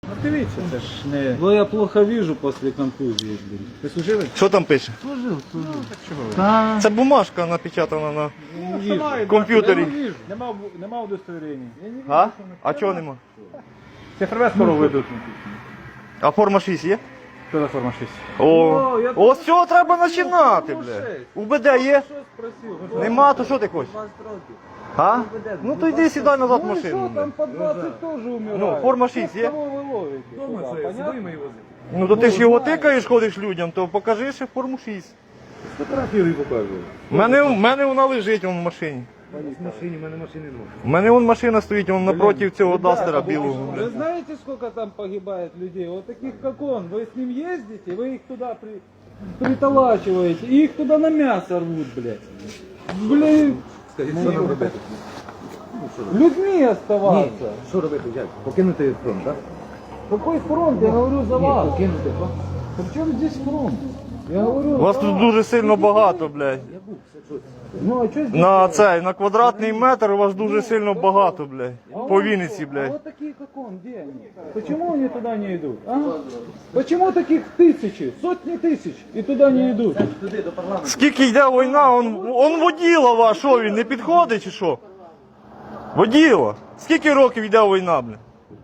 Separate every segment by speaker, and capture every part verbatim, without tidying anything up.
Speaker 1: Ну дивіться, це ж не...
Speaker 2: Ну я плохо вижу после контузии, блин.
Speaker 1: Ви служили?
Speaker 3: Що там пише?
Speaker 2: Служил, служил.
Speaker 1: Так чого ви?
Speaker 2: Да.
Speaker 3: Це бумажка напечатана на
Speaker 1: Ну, що мають,
Speaker 3: комп'ютері.
Speaker 1: я не вижу. Нема, нема удостоверення. Я не вижу,
Speaker 3: А?
Speaker 1: що не
Speaker 3: А
Speaker 1: треба.
Speaker 3: чого нема?
Speaker 1: Це ФРВ скоро ведуть.
Speaker 3: А форма шість є?
Speaker 1: Що за форма шість?
Speaker 3: О,
Speaker 2: О, я
Speaker 3: ось цього треба починати, бля. УБД є?
Speaker 2: Что спросил?
Speaker 3: Нема, то що ти хочеш? А? Ну то йди сідай назад в
Speaker 1: Ну і
Speaker 3: машину.
Speaker 1: що,
Speaker 3: бля.
Speaker 1: там по двадцять теж умирають.
Speaker 3: Ну, форма шість є?
Speaker 1: Кого ви ловите? Куди? Понятно?
Speaker 3: Ну то ти ж його тикаєш, ходиш людям, то покажи ще форму шість.
Speaker 1: Фотографію покажу.
Speaker 3: У мене, в мене вона лежить вон в машині.
Speaker 1: В машині, в мене машини немає.
Speaker 3: У мене вон машина стоїть вон напроти цього дастера білого.
Speaker 2: Вы знаете, сколько там погибает людей? Вот таких, как он. Вы с ним ездите, вы их туда при... приталачиваете, и их туда на мясо рвут, блядь. Блядь,
Speaker 1: Скажіть, що нам робити?
Speaker 2: людьми оставаться.
Speaker 1: Що робити? Як? Покинути фронт, так?
Speaker 2: Какой фронт? Я говорю за вас.
Speaker 1: Покинути фронт.
Speaker 2: При чем здесь фронт? Я говорю
Speaker 3: Вас
Speaker 2: за
Speaker 3: тут
Speaker 2: вас.
Speaker 3: дуже сильно багато, блядь.
Speaker 2: Ну, а что здесь?
Speaker 3: На цей, на квадратний метр вас дуже сильно багато, блядь.
Speaker 2: А
Speaker 3: По
Speaker 2: он
Speaker 3: Вінниці,
Speaker 2: что? А
Speaker 3: блядь.
Speaker 2: вот такие, как он, где они? Почему они туда не идут? А? Почему таких тысячи, сотни тысяч и туда не идут?
Speaker 1: Туди, до парламенту.
Speaker 3: Скільки йде війна, он, он воділа ваш, що він, не підходить чи що? Воділа. Скільки років йде війна, блядь?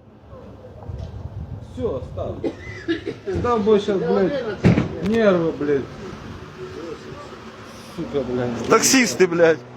Speaker 2: Все, став. Став бы сейчас, блядь, нервы, блядь. Сука, блядь.
Speaker 3: Таксисти, блядь.